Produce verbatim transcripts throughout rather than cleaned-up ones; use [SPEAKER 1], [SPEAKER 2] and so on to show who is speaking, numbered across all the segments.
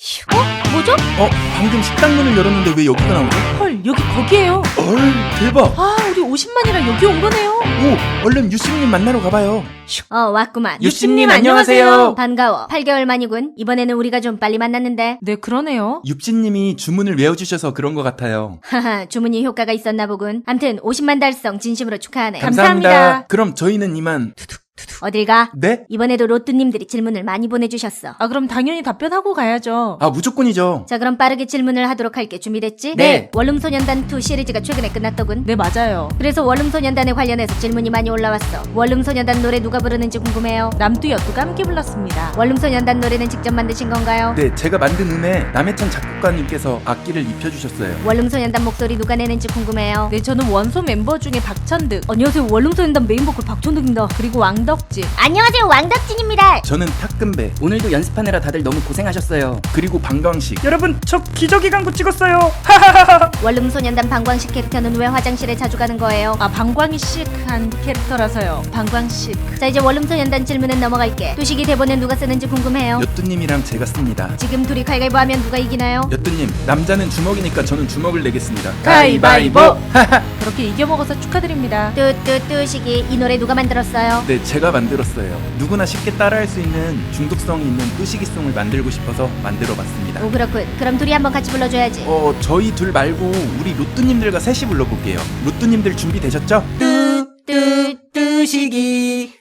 [SPEAKER 1] 어? 뭐죠?
[SPEAKER 2] 어? 방금 식당 문을 열었는데 왜 여기가 나오죠?
[SPEAKER 1] 헐, 여기 거기에요.
[SPEAKER 2] 헐, 대박!
[SPEAKER 1] 아, 우리 오십만이라 여기 온 거네요.
[SPEAKER 2] 오, 얼른 유씨님 만나러 가봐요.
[SPEAKER 3] 어, 왔구만.
[SPEAKER 2] 유씨님 안녕하세요.
[SPEAKER 3] 반가워. 팔 개월 만이군. 이번에는 우리가 좀 빨리 만났는데.
[SPEAKER 1] 네, 그러네요.
[SPEAKER 2] 윕씨님이 주문을 외워주셔서 그런 것 같아요.
[SPEAKER 3] 하하, 주문이 효과가 있었나 보군. 암튼 오십만 달성 진심으로 축하하네.
[SPEAKER 1] 감사합니다.
[SPEAKER 2] 그럼 저희는 이만.
[SPEAKER 3] 어딜 가?
[SPEAKER 2] 네?
[SPEAKER 3] 이번에도 로또님들이 질문을 많이 보내주셨어.
[SPEAKER 1] 아, 그럼 당연히 답변하고 가야죠.
[SPEAKER 2] 아, 무조건이죠.
[SPEAKER 3] 자, 그럼 빠르게 질문을 하도록 할게. 준비됐지?
[SPEAKER 2] 네.
[SPEAKER 3] 원룸소년단 투 시리즈가 최근에 끝났더군.
[SPEAKER 1] 네, 맞아요.
[SPEAKER 3] 그래서 원룸소년단에 관련해서 질문이 많이 올라왔어. 원룸소년단 노래 누가 부르는지 궁금해요.
[SPEAKER 1] 남도 여도가 함께 불렀습니다.
[SPEAKER 3] 원룸소년단 노래는 직접 만드신 건가요?
[SPEAKER 2] 네, 제가 만든 음에 남해찬 작곡가님께서 악기를 입혀주셨어요.
[SPEAKER 3] 원룸소년단 목소리 누가 내는지 궁금해요.
[SPEAKER 1] 네, 저는 원소 멤버 중에 박천득,
[SPEAKER 3] 안녕하세요. 원룸소년단 메인보컬 박천득입니다.
[SPEAKER 1] 그리고 왕덕진.
[SPEAKER 3] 안녕하세요. 왕덕진입니다.
[SPEAKER 2] 저는 탁금배,
[SPEAKER 4] 오늘도 연습하느라 다들 너무 고생하셨어요.
[SPEAKER 2] 그리고 방광식.
[SPEAKER 4] 여러분, 저 기저귀 광고 찍었어요.
[SPEAKER 3] 원룸소년단 방광식 캐릭터는 왜 화장실에 자주 가는 거예요?
[SPEAKER 1] 아, 방광이 시크한 캐릭터라서요. 방광 시크.
[SPEAKER 3] 자, 이제 원룸소년단 질문은 넘어갈게. 두식이 대본은 누가 쓰는지 궁금해요.
[SPEAKER 2] 여뚜님이랑 제가 씁니다.
[SPEAKER 3] 지금 둘이 가위바위보 하면 누가 이기나요?
[SPEAKER 2] 여뚜님, 남자는 주먹이니까 저는 주먹을 내겠습니다.
[SPEAKER 1] 가위바위보. 그렇게 이겨먹어서 축하드립니다.
[SPEAKER 3] 뚜뚜뚜식이 이 노래 누가 만들었어요?
[SPEAKER 2] 네, 제가 만들었어요. 누구나 쉽게 따라할 수 있는 중독성이 있는 뚜시기송을 만들고 싶어서 만들어봤습니다.
[SPEAKER 3] 오, 그렇군. 그럼 둘이 한번 같이 불러줘야지.
[SPEAKER 2] 어, 저희 둘 말고 우리 로뚜님들과 셋이 불러볼게요. 로뚜님들 준비되셨죠?
[SPEAKER 3] 뚜뚜
[SPEAKER 4] 뚜시기,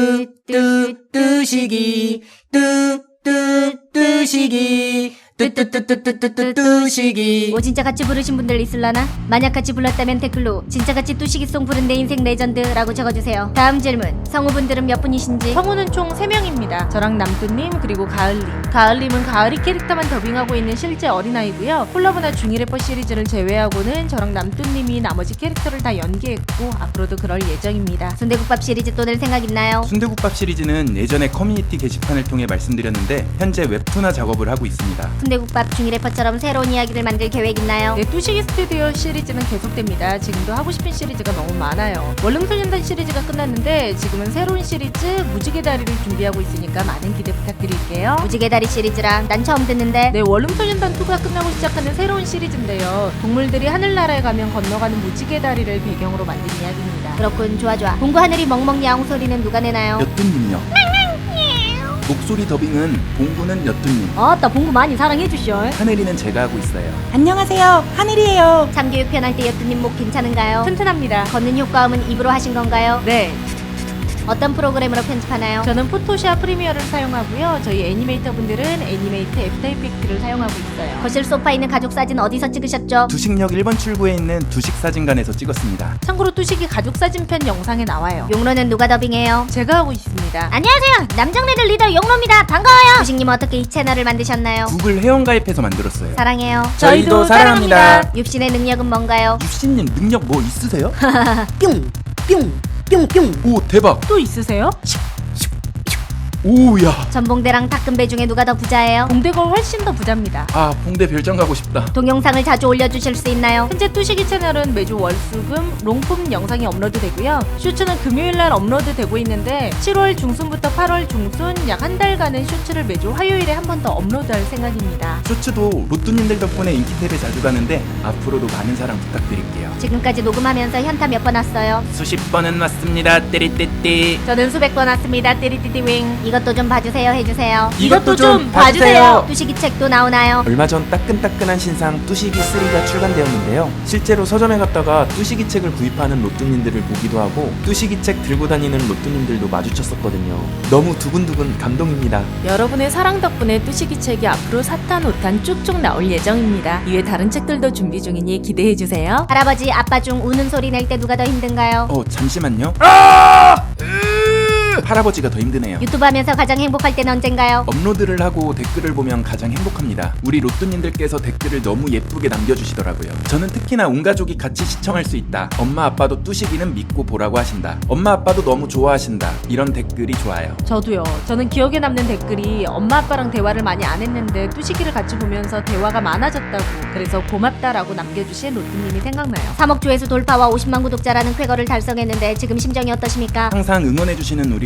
[SPEAKER 4] 뚜뚜뚜시기, 뚜뚜뚜시기, 뚜뚜뚜뚜뚜뚜뚜시기.
[SPEAKER 3] 뭐 진짜 같이 부르신 분들 있을라나? 만약 같이 불렀다면 댓글로 진짜 같이 뚜시기송 부른 내 인생 레전드라고 적어주세요. 다음 질문. 성우분들은 몇 분이신지?
[SPEAKER 1] 성우는 총 세 명입니다. 저랑 남두님 그리고 가을님. 가을님은 가을이 캐릭터만 더빙하고 있는 실제 어린아이고요. 콜라보나 중이 래퍼 시리즈를 제외하고는 저랑 남두님이 나머지 캐릭터를 다 연기했고 앞으로도 그럴 예정입니다.
[SPEAKER 3] 순대국밥 시리즈 또 낼 생각 있나요?
[SPEAKER 2] 순대국밥 시리즈는 예전에 커뮤니티 게시판을 통해 말씀드렸는데 현재 웹툰화 작업을 하고 있습니다.
[SPEAKER 3] 순대국밥 중이 래퍼처럼 새로운 이야기를 만들 계획 있나요?
[SPEAKER 1] 네, 뚜시기 스튜디오 시리즈는 계속됩니다. 지금도 하고 싶은 시리즈가 너무 많아요. 원룸소년단 시리즈가 끝났는데 지금은 새로운 시리즈 무지개 다리를 준비하고 있으니까 많은 기대 부탁드릴게요.
[SPEAKER 3] 무지개 다리 시리즈라 난 처음 듣는데.
[SPEAKER 1] 네, 원룸소년단 투가 끝나고 시작하는 새로운 시리즈인데요. 동물들이 하늘나라에 가면 건너가는 무지개 다리를 배경으로 만든 이야기입니다.
[SPEAKER 3] 그렇군. 좋아 좋아. 공구 하늘이 멍멍 야옹 소리는 누가 내나요?
[SPEAKER 2] 여뚜님요. 목소리 더빙은 봉구는 여뚜님,
[SPEAKER 3] 어따 봉구 많이 사랑해주셔.
[SPEAKER 2] 하늘이는 제가 하고 있어요.
[SPEAKER 4] 안녕하세요, 하늘이에요.
[SPEAKER 3] 참교육 편할 때 여뚜님 목 괜찮은가요?
[SPEAKER 1] 튼튼합니다.
[SPEAKER 3] 걷는 효과음은 입으로 하신 건가요?
[SPEAKER 1] 네,
[SPEAKER 3] 어떤 프로그램으로 편집하나요?
[SPEAKER 1] 저는 포토샵 프리미어를 사용하고요. 저희 애니메이터 분들은 애니메이트 애프터 이펙트를 사용하고 있어요.
[SPEAKER 3] 거실 소파에 있는 가족 사진 어디서 찍으셨죠?
[SPEAKER 2] 두식역 일 번 출구에 있는 두식사진관에서 찍었습니다.
[SPEAKER 1] 참고로 뚜식이 가족 사진편 영상에 나와요.
[SPEAKER 3] 용로는 누가 더빙해요?
[SPEAKER 1] 제가 하고 있습니다.
[SPEAKER 3] 안녕하세요. 남정네들 리더 용로입니다. 반가워요. 두식님 어떻게 이 채널을 만드셨나요?
[SPEAKER 2] 구글 회원가입해서 만들었어요.
[SPEAKER 3] 사랑해요.
[SPEAKER 1] 저희도 사랑합니다.
[SPEAKER 3] 윕신의 능력은 뭔가요?
[SPEAKER 2] 유씨님 능력 뭐 있으세요?
[SPEAKER 4] 뿅, 뿅, 뿅, 뿅.
[SPEAKER 2] 오, 대박!
[SPEAKER 1] 또 있으세요?
[SPEAKER 2] 오야!
[SPEAKER 3] 전봉대랑 탁금배 중에 누가 더 부자예요?
[SPEAKER 1] 봉대가 훨씬 더 부자입니다.
[SPEAKER 2] 아, 봉대 별장 가고 싶다.
[SPEAKER 3] 동영상을 자주 올려주실 수 있나요?
[SPEAKER 1] 현재 뚜시기 채널은 매주 월수금 롱폼 영상이 업로드되고요. 쇼츠는 금요일날 업로드되고 있는데 칠월 중순부터 팔월 중순 약 한 달간은 쇼츠를 매주 화요일에 한 번 더 업로드할 생각입니다.
[SPEAKER 2] 쇼츠도 로또님들 덕분에 인기탭에 자주 가는데 앞으로도 많은 사랑 부탁드릴게요.
[SPEAKER 3] 지금까지 녹음하면서 현타 몇 번 왔어요?
[SPEAKER 2] 수십 번은 왔습니다. 띠리띠띠.
[SPEAKER 1] 저는 수백 번 왔습니다. 띠리띠띠윙.
[SPEAKER 3] 이것도 좀 봐주세요 해주세요.
[SPEAKER 1] 이것도 좀 봐주세요.
[SPEAKER 3] 두식이 책도 나오나요?
[SPEAKER 5] 얼마 전 따끈따끈한 신상 뚜시기 쓰리가 출간되었는데요. 실제로 서점에 갔다가 뚜시기 책을 구입하는 로뚜님들을 보기도 하고 뚜시기 책 들고 다니는 로뚜님들도 마주쳤었거든요. 너무 두근두근 감동입니다.
[SPEAKER 1] 여러분의 사랑 덕분에 뚜시기 책이 앞으로 사탄 오탄 쭉쭉 나올 예정입니다. 이외 다른 책들도 준비 중이니 기대해주세요.
[SPEAKER 3] 할아버지 아빠 중 우는 소리 낼 때 누가 더 힘든가요?
[SPEAKER 2] 어, 잠시만요. 아! 할아버지가 더 힘드네요.
[SPEAKER 3] 유튜브 하면서 가장 행복할 때는 언젠가요?
[SPEAKER 2] 업로드를 하고 댓글을 보면 가장 행복합니다. 우리 로또님들께서 댓글을 너무 예쁘게 남겨주시더라고요. 저는 특히나 온 가족이 같이 시청할 수 있다. 엄마 아빠도 뚜시기는 믿고 보라고 하신다. 엄마 아빠도 너무 좋아하신다. 이런 댓글이 좋아요.
[SPEAKER 1] 저도요. 저는 기억에 남는 댓글이 엄마 아빠랑 대화를 많이 안 했는데 뚜시기를 같이 보면서 대화가 많아졌다고 그래서 고맙다라고 남겨주신 로또님이 생각나요.
[SPEAKER 3] 삼억 조회수 돌파와 오십만 구독자라는 쾌거를 달성했는데 지금 심정이 어떠십니까?
[SPEAKER 2] 항상 응원해주시는 우리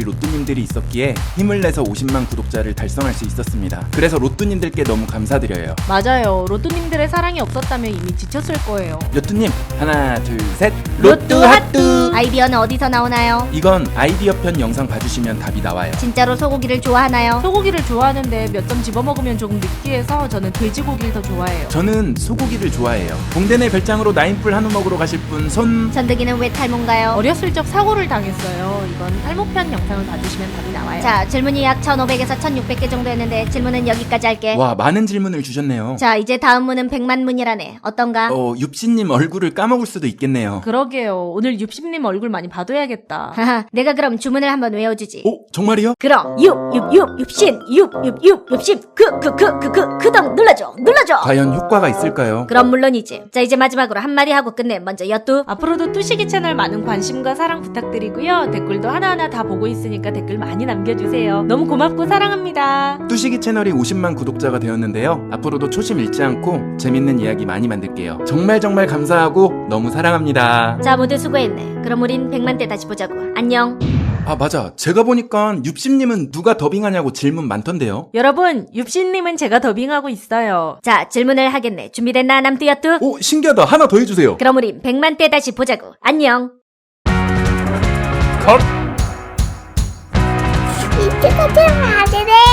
[SPEAKER 2] 로또님들이 있었기에 힘을 내서 오십만 구독자를 달성할 수 있었습니다. 그래서 로또님들께 너무 감사드려요.
[SPEAKER 1] 맞아요. 로또님들의 사랑이 없었다면 이미 지쳤을 거예요.
[SPEAKER 2] 로또님 하나 둘 셋
[SPEAKER 1] 로또 핫뚜!
[SPEAKER 3] 아이디어는 어디서 나오나요?
[SPEAKER 2] 이건 아이디어 편 영상 봐주시면 답이 나와요.
[SPEAKER 3] 진짜로 소고기를 좋아하나요?
[SPEAKER 1] 소고기를 좋아하는데 몇 점 집어먹으면 조금 느끼해서 저는 돼지고기를 더 좋아해요.
[SPEAKER 2] 저는 소고기를 좋아해요. 봉대내 별장으로 나인풀 한우 먹으러 가실 분 손...
[SPEAKER 3] 전득이는 왜 탈모인가요?
[SPEAKER 1] 어렸을 적 사고를 당했어요. 이건 탈모편 영상을 봐주시면 답이 나와요.
[SPEAKER 3] 자, 질문이 약 천오백에서 천육백 개 정도 했는데 질문은 여기까지 할게.
[SPEAKER 2] 와 많은 질문을 주셨네요.
[SPEAKER 3] 자, 이제 다음 문은 백만 문이라네. 어떤가?
[SPEAKER 2] 어 윕씨님 얼굴을 까먹을 수도 있겠네요.
[SPEAKER 1] 그러게요. 오늘 윕십님 얼굴 많이 봐둬야겠다.
[SPEAKER 3] 하하, 내가 그럼 주문을 한번 외워주지.
[SPEAKER 2] 오 정말이요?
[SPEAKER 3] 그럼 육, 육, 육, 육신, 육, 육, 육, 육신, 그, 그, 그, 그, 그, 그동 눌러줘, 눌러줘.
[SPEAKER 2] 과연 효과가 있을까요?
[SPEAKER 3] 그럼 물론이지. 자, 이제 마지막으로 한마디 하고 끝내. 먼저 여뚜.
[SPEAKER 1] 앞으로도 뚜시기 채널 많은 관심과 사랑 부탁드리고요. 댓글도 하나하나 다 보고 있으니까 댓글 많이 남겨주세요. 너무 고맙고 사랑합니다.
[SPEAKER 2] 뚜시기 채널이 오십만 구독자가 되었는데요. 앞으로도 초심 잃지 않고 재밌는 이야기 많이 만들게요. 정말 정말 감사하고 너무 사랑합니다.
[SPEAKER 3] 자, 모두 수고했네. 그럼 우린 백만 때 다시 보자고. 안녕.
[SPEAKER 2] 아 맞아. 제가 보니까 윕씨님은 누가 더빙하냐고 질문 많던데요.
[SPEAKER 1] 여러분, 윕신님은 제가 더빙하고 있어요.
[SPEAKER 3] 자, 질문을 하겠네. 준비됐나, 남뚜 여뚜?
[SPEAKER 2] 오 신기하다. 하나 더 해주세요.
[SPEAKER 3] 그럼 우린 백만 때 다시 보자고. 안녕.
[SPEAKER 2] 컷.
[SPEAKER 3] 이제 가자, 아들네.